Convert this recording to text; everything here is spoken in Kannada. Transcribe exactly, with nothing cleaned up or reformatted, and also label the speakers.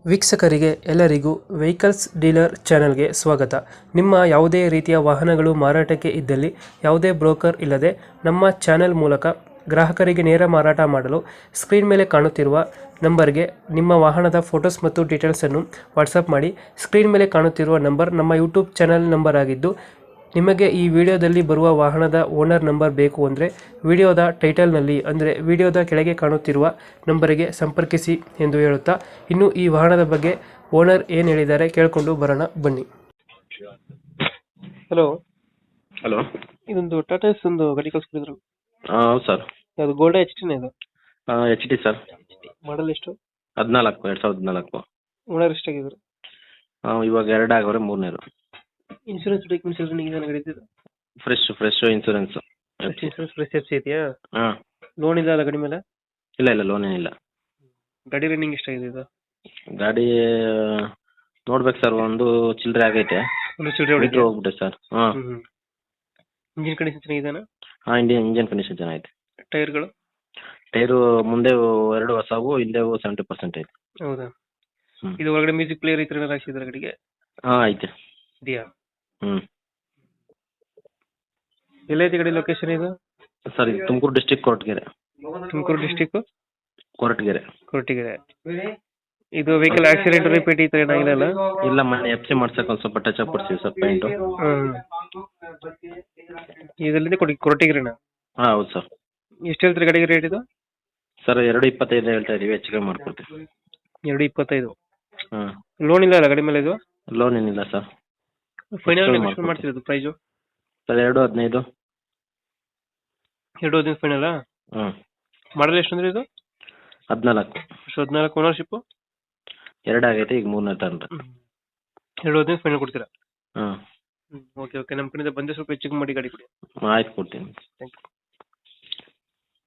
Speaker 1: ವೀಕ್ಷಕರಿಗೆ ಎಲ್ಲರಿಗೂ ವೆಹಿಕಲ್ಸ್ ಡೀಲರ್ ಚಾನೆಲ್ಗೆ ಸ್ವಾಗತ. ನಿಮ್ಮ ಯಾವುದೇ ರೀತಿಯ ವಾಹನಗಳು ಮಾರಾಟಕ್ಕೆ ಇದ್ದಲ್ಲಿ ಯಾವುದೇ ಬ್ರೋಕರ್ ಇಲ್ಲದೆ ನಮ್ಮ ಚಾನೆಲ್ ಮೂಲಕ ಗ್ರಾಹಕರಿಗೆ ನೇರ ಮಾರಾಟ ಮಾಡಲು ಸ್ಕ್ರೀನ್ ಮೇಲೆ ಕಾಣುತ್ತಿರುವ ನಂಬರ್ಗೆ ನಿಮ್ಮ ವಾಹನದ ಫೋಟೋಸ್ ಮತ್ತು ಡೀಟೇಲ್ಸನ್ನು ವಾಟ್ಸಪ್ ಮಾಡಿ. ಸ್ಕ್ರೀನ್ ಮೇಲೆ ಕಾಣುತ್ತಿರುವ ನಂಬರ್ ನಮ್ಮ ಯೂಟ್ಯೂಬ್ ಚಾನೆಲ್ ನಂಬರ್ ಆಗಿದ್ದು, ನಿಮಗೆ ಈ ವಿಡಿಯೋದಲ್ಲಿ ಬರುವ ವಾಹನದ ಓನರ್ ನಂಬರ್ ಬೇಕು ಅಂದರೆ ವಿಡಿಯೋದ ಟೈಟಲ್ನಲ್ಲಿ ಅಂದರೆ ವಿಡಿಯೋದ ಕೆಳಗೆ ಕಾಣುತ್ತಿರುವ ನಂಬರಿಗೆ ಸಂಪರ್ಕಿಸಿ ಎಂದು ಹೇಳುತ್ತಾ, ಇನ್ನು ಈ ವಾಹನದ ಬಗ್ಗೆ ಓನರ್ ಏನು ಹೇಳಿದ್ದಾರೆ ಕೇಳಿಕೊಂಡು ಬರೋಣ ಬನ್ನಿ. Hello
Speaker 2: hello.
Speaker 1: ಇದೊಂದು ಟಾಟಾ ಎಸ್ ಒಂದು ಗಾಡಿ ಕಳಿಸ್ಕೊಡಿದ್ರು.
Speaker 2: ಹೌದು ಸರ್.
Speaker 1: ಅದು ಗೋಲ್ಡ್ ಎಚ್ ಟಿನ ಇದು
Speaker 2: ಎಚ್ ಡಿ ಸರ್.
Speaker 1: ಮಾಡಲ್ ಎಷ್ಟು?
Speaker 2: ಹದಿನಾಲ್ಕು ಎರಡು ಸಾವಿರದ ಹದಿನಾಲ್ಕು.
Speaker 1: ಓನರ್ ಎಷ್ಟಾಗಿದ್ರು?
Speaker 2: ಇವಾಗ ಎರಡು ಆಗವ್ರೆ, ಮೂರನೇದು.
Speaker 1: ಇನ್ಶೂರೆನ್ಸ್ ಡಾಕ್ಯುಮೆಂಟ್ಸ್ ಎಲ್ಲ ನೀವು ನಡೀತಿದೆ?
Speaker 2: Fresh fresh insurance.
Speaker 1: Insurance fresh F C ಇದೆಯಾ?
Speaker 2: ಹಾಂ.
Speaker 1: ಲೋನ್ ಇಲ್ಲ ಅಲ್ಲ ಗಾಡಿ ಮೇಲೆ?
Speaker 2: ಇಲ್ಲ ಇಲ್ಲ, ಲೋನ್ ಏನಿಲ್ಲ.
Speaker 1: ಗಾಡಿ ರನ್ನಿಂಗ್ ಎಷ್ಟಾಗಿದೆ ಇದು?
Speaker 2: ಗಾಡಿ ನೋಡ್ಬೇಕು ಸರ್, ಒಂದು ಚಿಲ್ಲರೆ ಆಗೈತೆ.
Speaker 1: ಒಂದು ಚಿಲ್ಲರೆ
Speaker 2: ಮೀಟ್ರ್ ಹೋಗ್ಬಿಟ್ಟೆ ಸರ್. ಹಾಂ.
Speaker 1: ಹ್ಞೂ. ಇಂಜಿನ್ ಕಂಡೀಷನ್ ಚೆನ್ನಾಗಿದೆನಾ?
Speaker 2: ಹಾಂ, ಇಂಡಿಯನ್ ಇಂಜನ್ ಕಂಡೀಷನ್ ಚೆನ್ನಾಗೈತೆ.
Speaker 1: ಟೈರ್ಗಳು?
Speaker 2: ಟೈರು ಮುಂದೆ ಎರಡು ಹೊಸವು, ಹಿಂದೆ ಸೆವೆಂಟಿ ಪರ್ಸೆಂಟ್ ಐತೆ.
Speaker 1: ಹೌದಾ?
Speaker 2: ಹ್ಞೂ.
Speaker 1: ಇದು ಒಳಗಡೆ ಮ್ಯೂಸಿಕ್ ಪ್ಲೇಯರ್ ಈ ಥರ ಏನಾರು ಹಾಕ್ಸಿದ್ರೆ ಗಾಡಿಗೆ?
Speaker 2: ಹಾಂ, ಐತೆ.
Speaker 1: ಇದೆಯಾ?
Speaker 2: ಹ್ಞೂ.
Speaker 1: ಎಲ್ಲೈತಿ ಗಾಡಿ ಲೊಕೇಶನ್ ಇದು?
Speaker 2: ಸರ್, ಇದು ತುಮಕೂರು ಡಿಸ್ಟಿಕ್ ಕೊರಟಗೆರೆ.
Speaker 1: ತುಮಕೂರು ಡಿಸ್ಟಿಕ್
Speaker 2: ಕೊರಟಗೆರೆ.
Speaker 1: ಕೊರಟಗೆರೆ. ಇದು ವೆಹಿಕಲ್ ಆಕ್ಸಿಡೆಂಟ್ ರಿಪೇಟ್ ಈ ಥರ ಏನಾಗಿಲ್ಲ ಅಲ್ಲ?
Speaker 2: ಇಲ್ಲ, ಮನೆ ಎಫ್ ಸಿ ಮಾಡ್ಸಕ್ಕೆ ಒಂದು ಸ್ವಲ್ಪ ಟಚ್ ಅಪ್ ಕೊಡ್ತೀವಿ ಸರ್, ಪೇಂಟು.
Speaker 1: ಹ್ಞೂ. ಇದರಿಂದ ಕೊಡಿ ಕೊರಟಗೆರೆನಾ?
Speaker 2: ಹಾಂ, ಹೌದು ಸರ್.
Speaker 1: ಎಷ್ಟು ಹೇಳ್ತೀರಿ ಗಾಡಿಗೆ ರೇಟ್ ಇದು?
Speaker 2: ಸರ್, ಎರಡು ಇಪ್ಪತ್ತೈದು ಹೇಳ್ತಾ ಇದೀವಿ, ಹೆಚ್ಚು ಕಮ್ಮಿ ಮಾಡ್ಕೊಡ್ತೀವಿ.
Speaker 1: ಎರಡು ಇಪ್ಪತ್ತೈದು.
Speaker 2: ಹಾಂ.
Speaker 1: ಲೋನ್ ಇಲ್ಲ ಅಲ್ಲ ಗಾಡಿ ಮೇಲೆ ಇದು?
Speaker 2: ಲೋನ್ ಏನಿಲ್ಲ ಸರ್.
Speaker 1: ಫೈನಲ್ ನೆಗೋಷಿಯೇಟ್ ಮಾಡ್ತಿರೋದು ಪ್ರೈಸು?
Speaker 2: ಸರ್, ಎರಡು ಹದಿನೈದು.
Speaker 1: ಎರಡು ಹದಿನೈದು ಫೈನಲ್ಲಾ?
Speaker 2: ಹ್ಞೂ.
Speaker 1: ಮಾಡಲ್ ಎಷ್ಟು ಅಂದ್ರೆ ಇದು?
Speaker 2: ಹದಿನಾಲ್ಕು.
Speaker 1: ಎಷ್ಟು ಹದಿನಾಲ್ಕು? ಓನರ್ಶಿಪ್ಪು
Speaker 2: ಎರಡು ಆಗೈತೆ, ಈಗ ಮೂರನೇ ತಗೊಂಡ್ರೆ.
Speaker 1: ಎರಡು ಹದಿನೈದು ಫೈನಲ್ ಕೊಡ್ತೀರಾ?
Speaker 2: ಹಾಂ.
Speaker 1: ಹ್ಞೂ. ಓಕೆ ಓಕೆ, ನಮ್ಮ ಕಡೆಯಿಂದ ಬಂದರೆ ಸ್ವಲ್ಪ ಹೆಚ್ಚಿಗೆ ಮಾಡಿ ಗಾಡಿ ಕೊಡಿ.
Speaker 2: ಆಯ್ತು, ಕೊಡ್ತೀನಿ.
Speaker 1: Thank you.